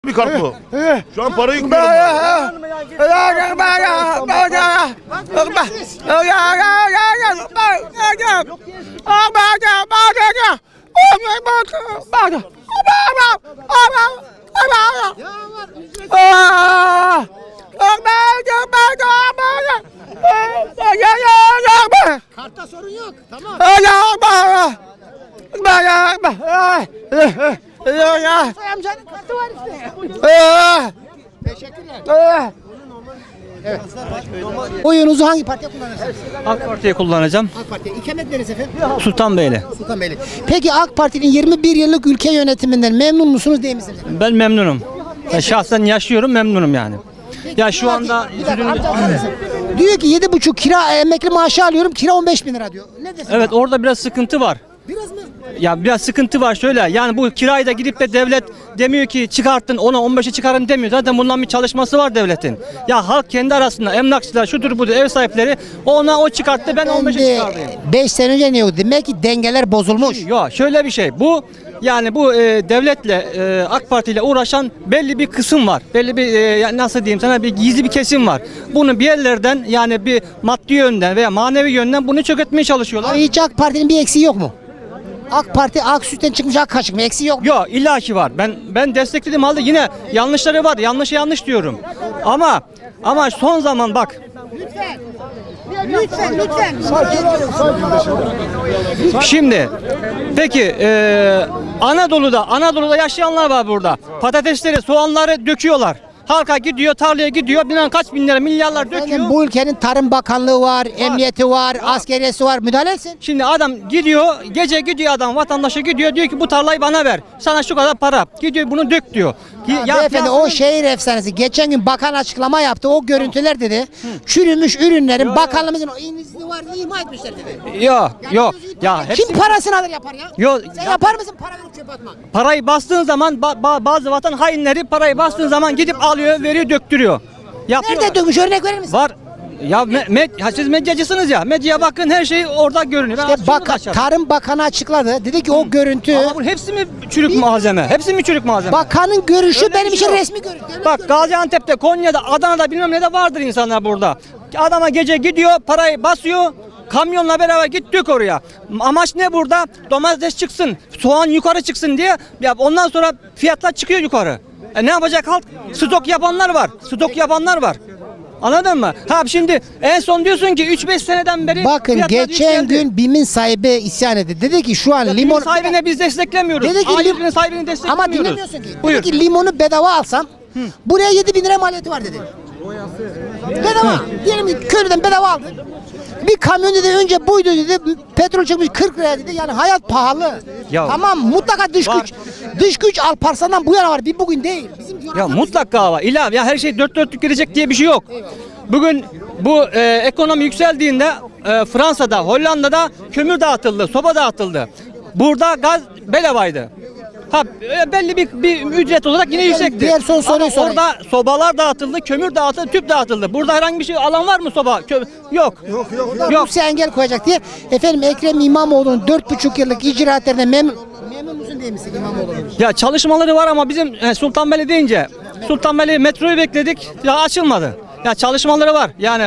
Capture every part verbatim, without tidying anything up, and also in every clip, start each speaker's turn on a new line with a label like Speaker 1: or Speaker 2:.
Speaker 1: Bir kart bu. Şu an parayı yüklüyorum.
Speaker 2: Kartta sorun yok. Tamam. Amcanın kartı var işte. Teşekkürler. Evet. Oyunuzu hangi partiye kullanırsınız?
Speaker 3: AK Parti'ye kullanacağım.
Speaker 2: AK Parti'ye. İkamet neresi efendim?
Speaker 3: Sultanbeyli.
Speaker 2: Sultanbeyli. Peki AK Parti'nin yirmi bir yıllık ülke yönetiminden memnun musunuz değil misiniz?
Speaker 3: Ben memnunum. Ben şahsen yaşıyorum, memnunum yani. Ya şu anda
Speaker 2: Bir dakika, amca bakar mısın? Diyor ki yedi buçuk kira emekli maaşı alıyorum, kira on beş bin lira diyor. Ne desin?
Speaker 3: evet orada biraz sıkıntı var.
Speaker 2: Biraz mı?
Speaker 3: Ya biraz sıkıntı var şöyle. Yani bu kirayı da gidip de devlet demiyor ki çıkarttın ona on beşe çıkarın demiyor. Zaten bundan bir çalışması var devletin. Ya halk kendi arasında emlakçılar şudur budur ev sahipleri ona o çıkarttı ben on beşe çıkardım.
Speaker 2: beş sene önce ne oldu? Demek ki dengeler bozulmuş.
Speaker 3: Yok şöyle bir şey. Bu yani bu e, devletle e, AK Parti ile uğraşan belli bir kısım var. Belli bir e, ya nasıl diyeyim sana bir gizli bir kesim var. Bunu bir yerlerden yani bir maddi yönden veya manevi yönden bunu çökertmeye çalışıyorlar.
Speaker 2: Hiç AK Parti'nin bir eksiği yok mu? AK Parti ak sütten çıkmış ak kaşık mı? Eksiği yok mu?
Speaker 3: Yok illaki var. Ben ben destekledim halde yine yanlışları var. Yanlışı yanlış diyorum. Ama ama son zaman bak.
Speaker 2: Lütfen lütfen.
Speaker 3: Şimdi peki e, Anadolu'da Anadolu'da yaşayanlar var burada. Patatesleri, soğanları döküyorlar. Halka gidiyor, tarlaya gidiyor. Bilmem kaç bin lira, milyarlar döküyor.
Speaker 2: Efendim, bu ülkenin Tarım Bakanlığı var, emniyeti var, askeriyesi var. Müdahale etsin.
Speaker 3: Şimdi adam gidiyor, gece gidiyor adam vatandaşa gidiyor diyor ki bu tarlayı bana ver. Sana şu kadar para. Gidiyor bunu dök diyor.
Speaker 2: Ya beyefendi o şehir efsanesi. Geçen gün bakan açıklama yaptı. O görüntüler dedi. Çürümüş ürünlerin bakanlığımızın o izni var diye ima etmişler dedi.
Speaker 3: Yok, yok. Ya
Speaker 2: Kim
Speaker 3: hepsi,
Speaker 2: parasını alır yapar ya?
Speaker 3: Yok,
Speaker 2: Sen
Speaker 3: ya-
Speaker 2: yapar mısın para verip çöpe atmak?
Speaker 3: parayı bastığın zaman ba- ba- bazı vatan hainleri parayı bastığın zaman gidip alıyor, veriyor, döktürüyor. Yapıyorlar.
Speaker 2: Nerede dökmüş örnek verir misin?
Speaker 3: Var. Ya me- med- ha siz medyacısınız ya. Medyaya bakın her şey orada görünüyor. Ben
Speaker 2: İşte
Speaker 3: açıyorum
Speaker 2: bak,
Speaker 3: aşağıda.
Speaker 2: Tarım Bakanı açıkladı. Dedi ki o görüntü
Speaker 3: Ama bu hepsi mi çürük malzeme? Hepsi mi çürük malzeme?
Speaker 2: bakanın görüşü
Speaker 3: Öyle
Speaker 2: benim
Speaker 3: bir
Speaker 2: için
Speaker 3: şey yok.
Speaker 2: resmi görüntü. Devlet
Speaker 3: Bak
Speaker 2: görüntü.
Speaker 3: Gaziantep'te, Konya'da, Adana'da bilmem ne de vardır insanlar burada. Adama gece gidiyor, parayı basıyor. Kamyonla beraber git dök oraya. Amaç ne burada? Domates çıksın, soğan yukarı çıksın diye. Ya ondan sonra fiyatlar çıkıyor yukarı. E ne yapacak halk? Stok yapanlar var. Stok yapanlar var. Anladın mı? Ha şimdi en son diyorsun ki üç beş seneden beri
Speaker 2: Bakın
Speaker 3: fiyatlar
Speaker 2: geçen
Speaker 3: yükseldi.
Speaker 2: gün BİM'in sahibi isyan etti. Dedi ki şu an
Speaker 3: Ya
Speaker 2: limon...
Speaker 3: limon sahibine biz desteklemiyoruz.
Speaker 2: Dedi ki
Speaker 3: Ailesinin
Speaker 2: lim-
Speaker 3: sahibini desteklemiyoruz.
Speaker 2: Ama dinlemiyorsun ki.
Speaker 3: Buyur.
Speaker 2: Dedi ki limonu bedava alsam buraya yedi bin lira maliyeti var dedi. Bedava. Diyelim ki köylüden bedava aldın. Bir kamyon dedi önce buydu dedi. Petrol çıkmış kırk lira dedi. Yani hayat pahalı.
Speaker 3: Ya-
Speaker 2: Tamam mutlaka dış
Speaker 3: Var.
Speaker 2: güç. Dış güç Alparslan'dan bu yana var. Bir bugün değil. Bizim
Speaker 3: Ya
Speaker 2: coğrafyamız-
Speaker 3: mutlaka var. İlla ya her şey dört dörtlük gidecek diye bir şey yok. Bugün bu e, ekonomi yükseldiğinde e, Fransa'da, Hollanda'da kömür dağıtıldı, soba dağıtıldı. Burada gaz bedavaydı. Ha e, belli bir, bir ücret olarak yine yüksekti.
Speaker 2: diğer son soruyu
Speaker 3: Ama
Speaker 2: sorayım.
Speaker 3: orada sobalar dağıtıldı, kömür dağıtıldı, tüp dağıtıldı. Burada herhangi bir şey alan var mı soba? Kö- yok. Yok yok. Yok.
Speaker 2: Rusya engel koyacak diye. Efendim Ekrem İmamoğlu'nun dört buçuk yıllık icraatlerine memnun memnun musun değil misin İmamoğlu'nun?
Speaker 3: Ya çalışmaları var ama bizim e, Sultanbeyli deyince Sultanbeyli metroyu bekledik ya açılmadı. Ya çalışmaları var yani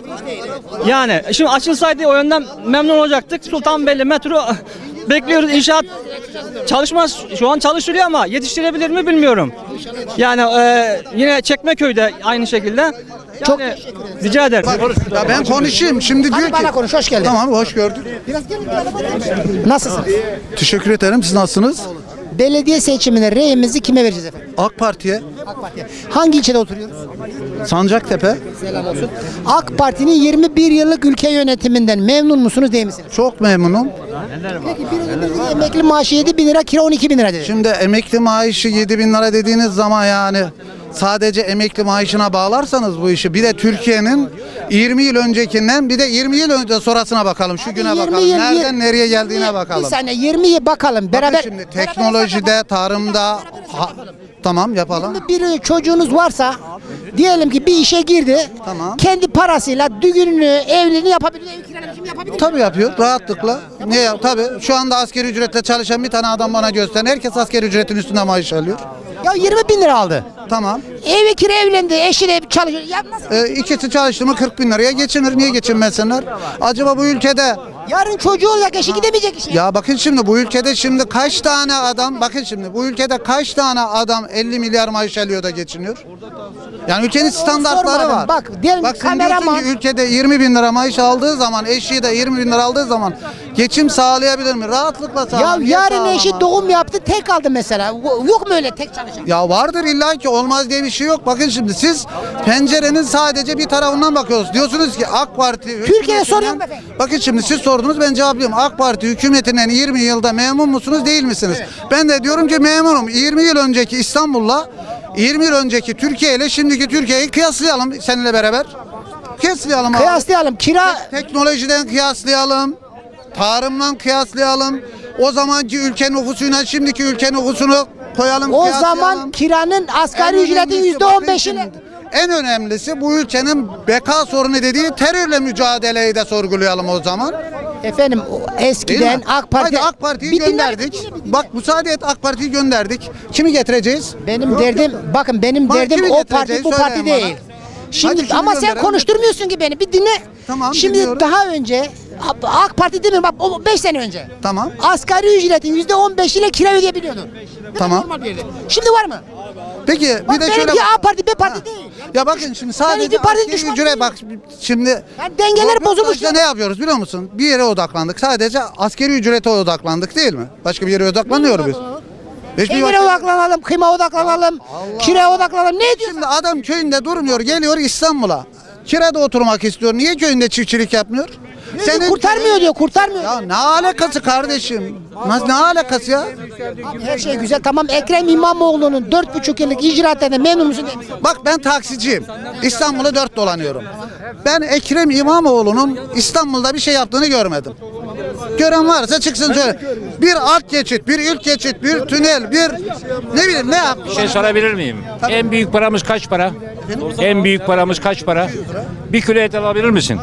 Speaker 3: yani şimdi açılsaydı o yönden memnun olacaktık. Sultanbeyli metro bekliyoruz inşaat çalışma şu an çalışılıyor ama yetiştirebilir mi bilmiyorum. Yani e, yine Çekmeköy'de aynı şekilde. Yani,
Speaker 2: Çok
Speaker 3: rica ederim.
Speaker 4: Ya ben konuşayım. Şimdi diyor
Speaker 2: Hadi
Speaker 4: ki
Speaker 2: bana konuş hoş geldin.
Speaker 4: tamam hoş gördük.
Speaker 2: Biraz gelin bir araba verin. Nasılsın?
Speaker 4: Teşekkür ederim. Siz nasılsınız?
Speaker 2: Belediye seçimine reyimizi kime vereceğiz efendim?
Speaker 4: AK Parti'ye,
Speaker 2: AK Parti'ye. Hangi ilçede oturuyoruz?
Speaker 4: Sancaktepe
Speaker 2: Selam olsun. AK Parti'nin yirmi bir yıllık ülke yönetiminden memnun musunuz değil misiniz?
Speaker 4: çok memnunum.
Speaker 2: Peki bir, bir, bir emekli maaşı yedi bin lira, kira on iki bin lira dedi.
Speaker 4: Şimdi emekli maaşı yedi bin lira dediğiniz zaman yani sadece emekli maaşına bağlarsanız bu işi bir de Türkiye'nin yirmi yıl öncekinden bir de yirmi yıl önce sonrasına bakalım. Şu güne
Speaker 2: yirmi
Speaker 4: bakalım.
Speaker 2: yıl-
Speaker 4: Nereden
Speaker 2: yir-
Speaker 4: nereye geldiğine
Speaker 2: yirmi-
Speaker 4: bakalım.
Speaker 2: Bir saniye yirmi yıl bakalım. Beraber
Speaker 4: Bakın şimdi teknolojide, tarımda ha- tamam yapalım.
Speaker 2: bir çocuğunuz varsa diyelim ki bir işe girdi.
Speaker 4: Tamam.
Speaker 2: Kendi parasıyla düğününü, evliliğini yapabilir, ev kiralamasını yapabilir.
Speaker 4: Tabii yapıyor rahatlıkla. Niye ya? Tabii şu anda asgari ücretle çalışan bir tane adam bana gösterin. Herkes asgari ücretin üstünde maaş alıyor.
Speaker 2: Ya yirmi bin lira aldı.
Speaker 4: Tamam.
Speaker 2: Evi kira, evlendi, eşiyle çalışıyor. Ya nasıl?
Speaker 4: E, ikisi çalıştı mı kırk bin liraya geçinir. Niye geçinmesinler? Acaba bu ülkede
Speaker 2: Yarın çocuğu olacak, eşi gidemeyecek işe.
Speaker 4: ya bakın şimdi bu ülkede şimdi kaç tane adam bakın şimdi bu ülkede kaç tane adam elli milyar maaş alıyor da geçiniyor? Yani ülkenin standartları
Speaker 2: sormadım.
Speaker 4: var.
Speaker 2: Bak, diyelim
Speaker 4: Bak sen
Speaker 2: kameraman-
Speaker 4: diyorsun ki ülkede yirmi bin lira maaş aldığı zaman eşi de yirmi bin lira aldığı zaman geçim sağlayabilir mi? Rahatlıkla
Speaker 2: Ya
Speaker 4: sağlar. Niye
Speaker 2: yarın eşi
Speaker 4: sağlamaz?
Speaker 2: doğum yaptı, tek aldı mesela. Yok mu öyle tek çalışan?
Speaker 4: Ya vardır illa ki olmaz diye bir şey yok. Bakın şimdi siz pencerenin sadece bir tarafından bakıyorsunuz. Diyorsunuz ki AK Parti
Speaker 2: Türkiye'de
Speaker 4: hükümetinden-
Speaker 2: soruyorum efendim.
Speaker 4: Bakın şimdi siz sordunuz ben cevaplıyorum. AK Parti hükümetinden yirmi yılda memnun musunuz değil misiniz? Ben de diyorum ki memnunum. yirmi yıl önceki İstanbul'la yirmi yıl önceki Türkiye ile şimdiki Türkiye'yi kıyaslayalım seninle beraber. Kıyaslayalım abi.
Speaker 2: Kıyaslayalım. Kira
Speaker 4: Teknolojiden kıyaslayalım. Tarımdan kıyaslayalım. O zamanki ülke nüfusuyla şimdiki ülke nüfusunu koyalım.
Speaker 2: o
Speaker 4: kıyaslayalım.
Speaker 2: zaman kiranın asgari
Speaker 4: En
Speaker 2: ücretin
Speaker 4: önemlisi
Speaker 2: yüzde on
Speaker 4: bakın
Speaker 2: beşini.
Speaker 4: şimdi, En önemlisi bu ülkenin beka sorunu dediği terörle mücadeleyi de sorgulayalım o zaman.
Speaker 2: Efendim o
Speaker 4: Değil
Speaker 2: eskiden
Speaker 4: mi?
Speaker 2: AK Parti...
Speaker 4: Hadi AK Parti'yi
Speaker 2: Bir dinle,
Speaker 4: gönderdik.
Speaker 2: bir dinle, bir dinle.
Speaker 4: Bak müsaade et AK Parti'yi gönderdik. Kimi getireceğiz?
Speaker 2: Benim derdim, bakın benim
Speaker 4: Bak,
Speaker 2: derdim
Speaker 4: kimi
Speaker 2: o
Speaker 4: getireceğiz?
Speaker 2: parti bu parti
Speaker 4: Söyleyin bana.
Speaker 2: değil. Şimdi
Speaker 4: Hadi kimi
Speaker 2: ama sen
Speaker 4: gönderelim?
Speaker 2: konuşturmuyorsun ki beni. Bir dinle.
Speaker 4: Tamam,
Speaker 2: Şimdi
Speaker 4: dinliyorum.
Speaker 2: daha önce AK Parti demiyorum bak o beş sene önce.
Speaker 4: Tamam.
Speaker 2: Asgari ücretin yüzde on beş ile kira ödeyebiliyordun. Bu da
Speaker 4: Tamam.
Speaker 2: normal bir yerde. Şimdi var mı?
Speaker 4: Peki bir
Speaker 2: Bak
Speaker 4: de şöyle
Speaker 2: benimki A parti B parti
Speaker 4: Ha.
Speaker 2: değil.
Speaker 4: Ya bakın şimdi sadece
Speaker 2: hiçbir partinin
Speaker 4: askeri
Speaker 2: düşmanı
Speaker 4: ücret
Speaker 2: değilim.
Speaker 4: bak şimdi
Speaker 2: Yani dengeler bozulmuş.
Speaker 4: röportajda ne yapıyoruz biliyor musun? Bir yere odaklandık. Sadece askeri ücrete odaklandık değil mi? Başka bir yere odaklanmıyoruz biz. Hiçbir
Speaker 2: Dengere
Speaker 4: başka-
Speaker 2: odaklanalım, kıyma odaklanalım, kiraya odaklanalım. Ne diyorsun?
Speaker 4: Şimdi adam köyünde durmuyor, geliyor İstanbul'a. Kirada oturmak istiyor. Niye köyünde çiftçilik yapmıyor?
Speaker 2: Senin kurtarmıyor diyor, kurtarmıyor.
Speaker 4: Ya ne alakası kardeşim? Ne, ne alakası ya?
Speaker 2: Abi her şey güzel tamam. Ekrem İmamoğlu'nun dört buçuk yıllık icraatlerine memnun musun değil misin?
Speaker 4: Bak ben taksiciyim. İstanbul'u dört dolanıyorum. Ben Ekrem İmamoğlu'nun İstanbul'da bir şey yaptığını görmedim. Gören varsa çıksın söyle. Bir alt geçit, bir ilk geçit, bir tünel, bir ne bileyim ne yapmış?
Speaker 5: Bir şey sorabilir miyim? En büyük paramız kaç para? En büyük paramız kaç para? Bir kilo et alabilir misin?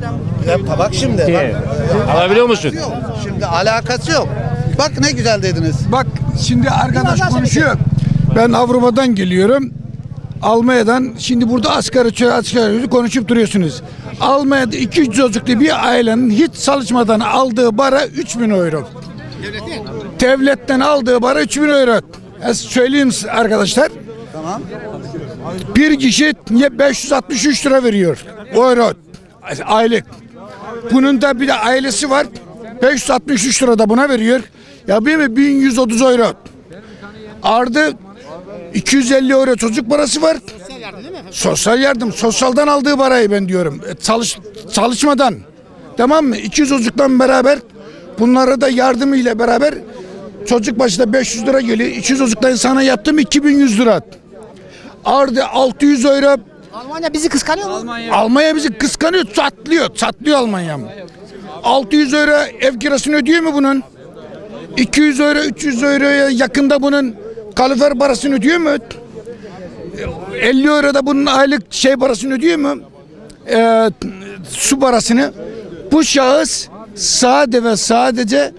Speaker 4: Ya bak şimdi.
Speaker 5: Ee, Alabiliyor musun?
Speaker 4: Yok. Şimdi alakası yok. Bak ne güzel dediniz.
Speaker 6: Bak şimdi arkadaş konuşuyor. Ben Avrupa'dan geliyorum. Almanya'dan şimdi burada asgari çocuk asgari ücret konuşup duruyorsunuz. Almanya'da iki üç çocuklu bir ailenin hiç çalışmadan aldığı para üç bin euro. Devletten aldığı para üç bin euro. E, söyleyeyim size arkadaşlar.
Speaker 4: Tamam.
Speaker 6: Bir kişi beş yüz altmış üç lira veriyor. Euro. Aylık. Bunun da bir de ailesi var. beş yüz altmış üç lira da buna veriyor. Ya bir mi bin yüz otuz euro. Ardı iki yüz elli euro çocuk parası var. Sosyal yardım. Sosyaldan aldığı parayı ben diyorum. E, çalış, çalışmadan. Tamam mı? iki yüz çocukla beraber bunlara da yardımı ile beraber çocuk başına beş yüz lira geliyor. iki yüz çocukla insana yaptım iki bin yüz lira. Ardı altı yüz euro.
Speaker 2: Almanya bizi kıskanıyor mu?
Speaker 6: Almanya bizi kıskanıyor, çatlıyor, çatlıyor Almanya. altı yüz euro ev kirasını ödüyor mu bunun? iki yüz euro, üç yüz euroya yakında bunun kalifer parasını ödüyor mu? elli euro da bunun aylık şey parasını ödüyor mu? Ee, su parasını. Bu şahıs sade ve sadece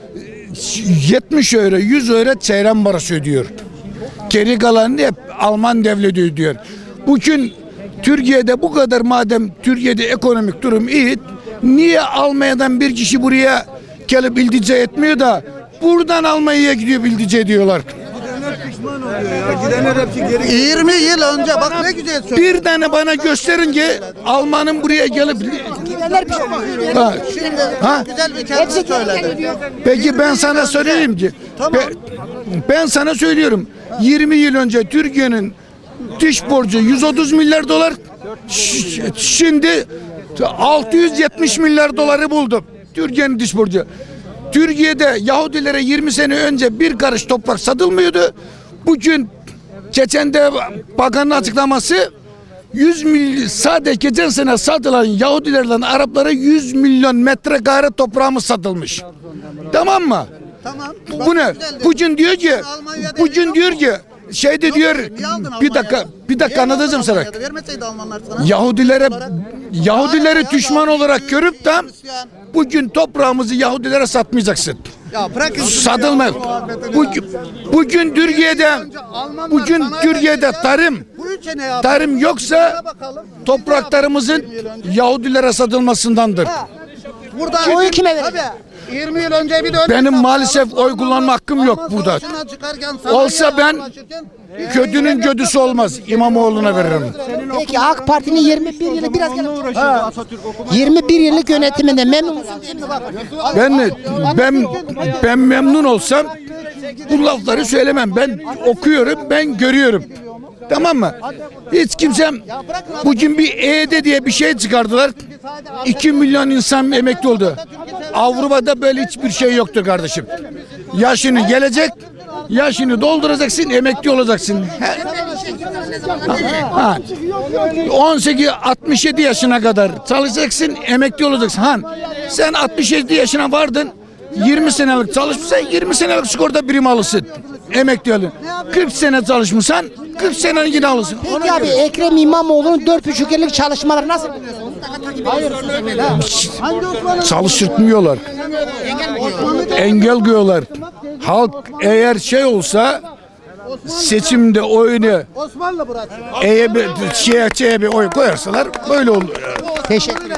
Speaker 6: yetmiş euro, yüz euro çeyren parası ödüyor. Geri kalanını hep Alman devleti ödüyor. Bugün Türkiye'de bu kadar madem Türkiye'de ekonomik durum iyi, niye Almanya'dan bir kişi buraya gelip iltica etmiyor da buradan Almanya'ya gidiyor iltica ediyorlar.
Speaker 4: yirmi yıl önce bak ne güzel söylüyor.
Speaker 6: Bir tane bana gösterin ki Alman'ın buraya gelip
Speaker 2: Gidenler bir şey
Speaker 6: ha,
Speaker 4: Şimdi
Speaker 6: ha?
Speaker 4: güzel bir kelime
Speaker 2: Hepsi
Speaker 4: söyledi.
Speaker 2: diyor.
Speaker 6: Peki ben sana söyleyeyim ki
Speaker 4: Tamam.
Speaker 6: ben, ben sana söylüyorum yirmi yıl önce Türkiye'nin dış borcu yüz otuz milyar dolar ş- şimdi altı yüz yetmiş milyar doları buldu Türkiye'nin dış borcu. Türkiye'de Yahudilere yirmi sene önce bir karış toprak satılmıyordu. Bugün geçen de bakanın açıklaması yüz milyon sadece geçen sene satılan Yahudilerle Araplara yüz milyon metrekare toprağımız satılmış. Tamam mı?
Speaker 4: Tamam.
Speaker 6: Bu ne? Bugün diyor ki
Speaker 4: Almanya'da
Speaker 6: bugün
Speaker 4: yok
Speaker 6: diyor
Speaker 4: mu?
Speaker 6: ki şeyde diyor
Speaker 4: Niye aldın
Speaker 6: bir dakika
Speaker 4: Almanya'da?
Speaker 6: bir dakika
Speaker 4: Niye aldın
Speaker 6: anlatacağım sana.
Speaker 4: Almanya'da? Vermeseydi Almanlar sana.
Speaker 6: Yahudilere Yahudileri
Speaker 4: Hala
Speaker 6: düşman
Speaker 4: ya,
Speaker 6: olarak görüp de
Speaker 4: Hristiyan.
Speaker 6: bugün toprağımızı Yahudilere satmayacaksın.
Speaker 4: Ya bırakın.
Speaker 6: Satılmaz. Bugün, bugün Türkiye'de bugün Türkiye'de tarım
Speaker 4: Bu ülke ne ya?
Speaker 6: tarım yoksa topraklarımızın Yahudilere satılmasındandır.
Speaker 4: Burada
Speaker 2: Oyu kime verecek?
Speaker 4: Tabii. yirmi yıl önce bir de
Speaker 6: Benim maalesef oy kullanma hakkım yok burada. Olsa ben kötünün kötüsü olmaz. İmamoğlu'na veririm.
Speaker 2: Peki AK Parti'nin yirmi bir yıllık biraz gel. yirmi bir yıllık yönetiminde memnun musun değil mi? Bak.
Speaker 6: Ben ben ben memnun olsam bu lafları söylemem. Ben okuyorum, ben görüyorum. Tamam mı? Hiç kimsem bugün bir E Y D diye bir şey çıkardılar. iki milyon insan emekli oldu. Avrupa'da böyle hiçbir şey yoktur kardeşim. Yaşını gelecek, yaşını dolduracaksın, emekli olacaksın. Ha. on sekiz altmış yedi yaşına kadar çalışacaksın, emekli olacaksın. Han, sen altmış yedi yaşına vardın, yirmi senelik çalışmışsan yirmi senelik sigorta primi alırsın. Emekli olun. kırk sene çalışmışsan kırk sene yine alırsın.
Speaker 2: Peki abi Ekrem İmamoğlu'nun dört buçuk yıllık çalışmaları nasıl buluyorsun?
Speaker 6: Çalıştırmıyorlar. Engel koyuyorlar. Halk eğer şey olsa seçimde oyunu
Speaker 4: Osmanlı bırak.
Speaker 6: E'ye bir şeye, şeye bir oy koyarsalar böyle olur.
Speaker 2: Teşekkür ederim.